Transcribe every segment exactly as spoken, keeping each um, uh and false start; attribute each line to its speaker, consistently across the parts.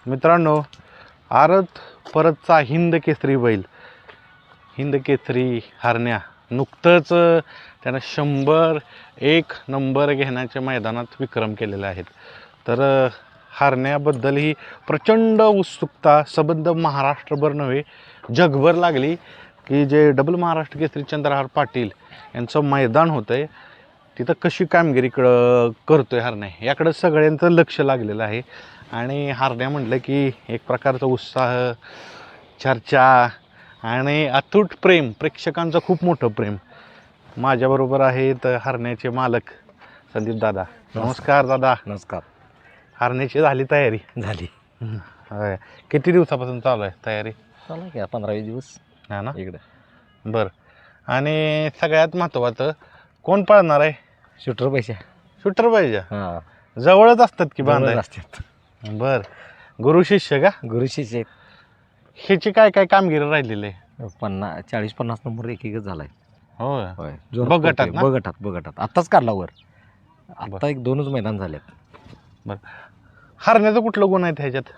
Speaker 1: मित्रांनो, आरत परतचा हिंद केसरी बैल, हिंद केसरी हरण्या नुकतंच त्यानं शंभर एक नंबर घेण्याच्या मैदानात विक्रम केलेले आहेत. तर हरण्याबद्दल ही प्रचंड उत्सुकता सबंध महाराष्ट्रभर नव्हे जगभर लागली की जे डबल महाराष्ट्र केसरी चंद्रहार पाटील यांचं मैदान होतं आहे तिथं कशी कामगिरी क करतोय हरण्या याकडं सगळ्यांचं लक्ष लागलेलं आहे. आणि हरण्या म्हटलं की एक प्रकारचा उत्साह, चर्चा आणि अतूट प्रेम, प्रेक्षकांचं खूप मोठं प्रेम. माझ्याबरोबर आहेत हरण्याचे मालक संदीप दादा. नमस्कार दादा.
Speaker 2: नमस्कार.
Speaker 1: हरण्याची झाली तयारी?
Speaker 2: झाली.
Speaker 1: होय. किती दिवसापासून चालू आहे तयारी?
Speaker 2: चालू की पंधरा वीस दिवस
Speaker 1: हा ना
Speaker 2: इकडं.
Speaker 1: बरं. आणि सगळ्यात महत्त्वाचं कोण पळणार आहे?
Speaker 2: शूटर पैसे.
Speaker 1: शूटर पाहिजे.
Speaker 2: हां,
Speaker 1: जवळच असतात की बांधाय?
Speaker 2: असतात.
Speaker 1: बर. गुरु शिष्य का?
Speaker 2: गुरु शिष्य
Speaker 1: ह्याची काय काय कामगिरी राहिलेली आहे?
Speaker 2: पन्नास चाळीस पन्नास नंबर एक एकच झालाय.
Speaker 1: होय
Speaker 2: होय.
Speaker 1: बगटात ना?
Speaker 2: बगटात बगटात आत्ताच काढला वर. आत्ता एक दोनच मैदान झालेत.
Speaker 1: बरं. हरण्याचं कुठलं गुण आहे ह्याच्यात?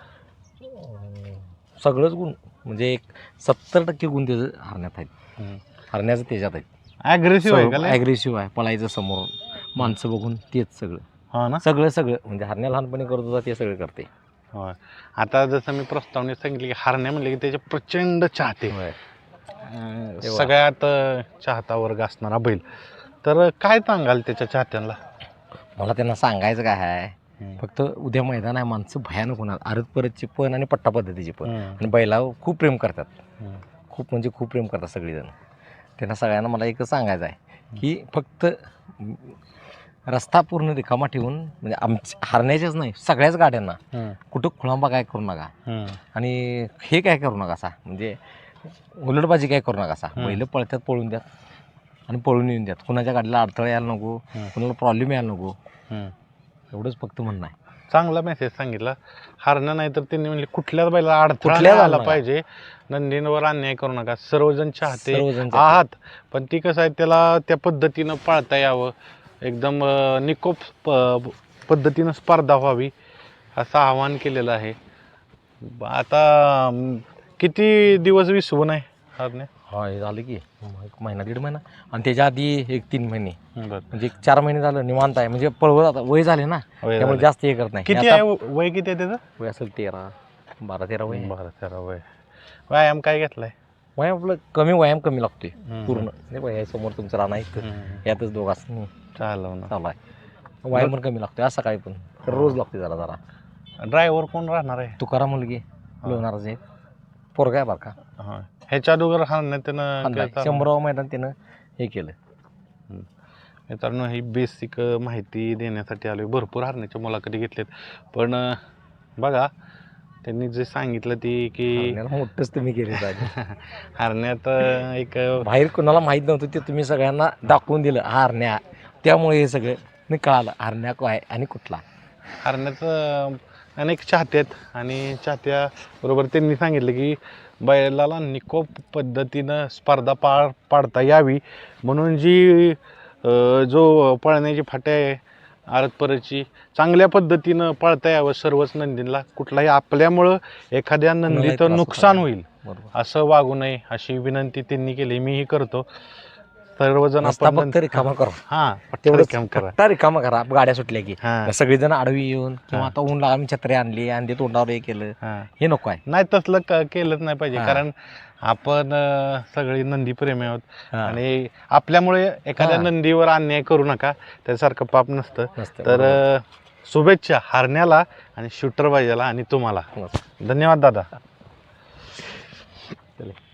Speaker 2: सगळंच गुण म्हणजे एक सत्तर टक्के गुण त्याचं हरण्यात आहेत. हरण्याचं त्याच्यात आहेत.
Speaker 1: ॲग्रेसिव्ह आहे का?
Speaker 2: ॲग्रेसिव्ह आहे, पळायचं समोर माणसं बघून तेच सगळं.
Speaker 1: हो ना.
Speaker 2: सगळं सगळं म्हणजे हरण्या लहानपणी करत होता ते सगळं करते.
Speaker 1: होय. आता जसं मी प्रस्तावनेत सांगितले की हरण्या म्हणले की त्याचे प्रचंड चाहते, सगळ्यात चाहता वर्ग असणारा बैल. तर काय सांगाल त्याच्या चाहत्यांना?
Speaker 2: मला त्यांना सांगायचं काय आहे, फक्त उद्या मैदान आहे, माणसं भयानक होणार. आरत परतची पण आणि पट्टा पद्धतीची पण. आणि बैलावर खूप प्रेम करतात, खूप म्हणजे खूप प्रेम करतात सगळेजण. त्यांना सगळ्यांना मला एकच सांगायचं आहे की फक्त रस्ता पूर्ण रिकामा ठेवून म्हणजे आमच्या हरण्याच्याच नाही सगळ्याच गाड्यांना कुठं खुळांबा काय करू नका. आणि हे काय करू नका असा म्हणजे उलटबाजी काय करू नका असा. बैल पळतात पळून द्यात आणि पळून येऊन द्यात. कुणाच्या गाडीला अडथळा यायला नको, कुणाला प्रॉब्लेम यायला नको, एवढंच फक्त म्हणणं आहे.
Speaker 1: चांगला मेसेज सांगितला. हरणं नाही तर त्यांनी म्हणले कुठल्याच बैला अडथळा आला पाहिजे, नंदींवर अन्याय करू नका. सर्वजण चाहते आहात, पण ती कसं आहे त्याला त्या पद्धतीनं पाळता यावं, एकदम निकोप प पद्धतीनं स्पर्धा व्हावी असं आवाहन केलेलं आहे. आता किती दिवस विसवून आहे हरणे?
Speaker 2: हा, हे झालं की एक महिना दीड महिना आणि त्याच्या आधी एक तीन महिने म्हणजे एक चार महिने झालं निवांत आहे. म्हणजे पळवत आता वय झाले ना त्यामुळे जास्त हे करत नाही.
Speaker 1: किती आहे वय? किती आहे त्याचं
Speaker 2: वय? असेल तेरा बारा तेरा वय.
Speaker 1: बारा तेरा वय. व्यायाम काय घेतलाय?
Speaker 2: व्यायाम आपलं कमी व्यायाम कमी लागतोय पूर्ण. नाही बाय समोर तुमचं राहणं आहे यातच दोघांच
Speaker 1: चालव ना
Speaker 2: चालू आहे. व्यायाम पण कमी लागतोय. आज सकाळी पण रोज लागते जरा जरा.
Speaker 1: ड्रायव्हर कोण राहणार आहे?
Speaker 2: तुकाराम मुलगी लोणारच आहे, पोरगा आहे बरं का.
Speaker 1: हां, ह्याच्या अगोदर हरण्यात त्यानं
Speaker 2: शंभरावं मैदान त्यानं हे केलं.
Speaker 1: मित्रांनो, ही बेसिक माहिती देण्यासाठी आलो. भरपूर हरण्याच्या मुलाखती घेतल्यात, पण बघा त्यांनी जे सांगितलं ती की
Speaker 2: मोठंच तुम्ही केले
Speaker 1: हरण्यात एक
Speaker 2: बाहेर कुणाला माहीत नव्हतं ते तुम्ही सगळ्यांना दाखवून दिलं हरण्या. त्यामुळे हे सगळं मी कळालं हरण्या काय आणि कुठला.
Speaker 1: हरण्याचं अनेक चाहते आहेत आणि चाहत्याबरोबर त्यांनी सांगितलं की बैलाला निकोप पद्धतीनं स्पर्धा पार पाडता यावी म्हणून जी जो पळण्याची फाट्या आहे आरत परतची चांगल्या पद्धतीनं पळता यावं सर्वच नंदींना. कुठलाही आपल्यामुळं एखाद्या नंदीचं नुकसान होईल असं वागू नये अशी विनंती त्यांनी केली. मीही करतो. सर्वजण
Speaker 2: फक्त रिकामा करा.
Speaker 1: हां, तेवढं करा,
Speaker 2: रिकामा करा. गाड्या सुटल्या की सगळेजण आडवी येऊन किंवा आता ऊन आम्ही छत्री आणली आणि ते तोंडावर हे केलं, हे नको आहे.
Speaker 1: नाही तसलं केलंच नाही पाहिजे, कारण आपण सगळी नंदी प्रेमी आहोत आणि आपल्यामुळे एखाद्या नंदीवर अन्याय करू नका, त्यासारखं पाप नसतं. तर शुभेच्छा हरण्याला आणि शूटर बाजाला आणि तुम्हाला. धन्यवाद दादा.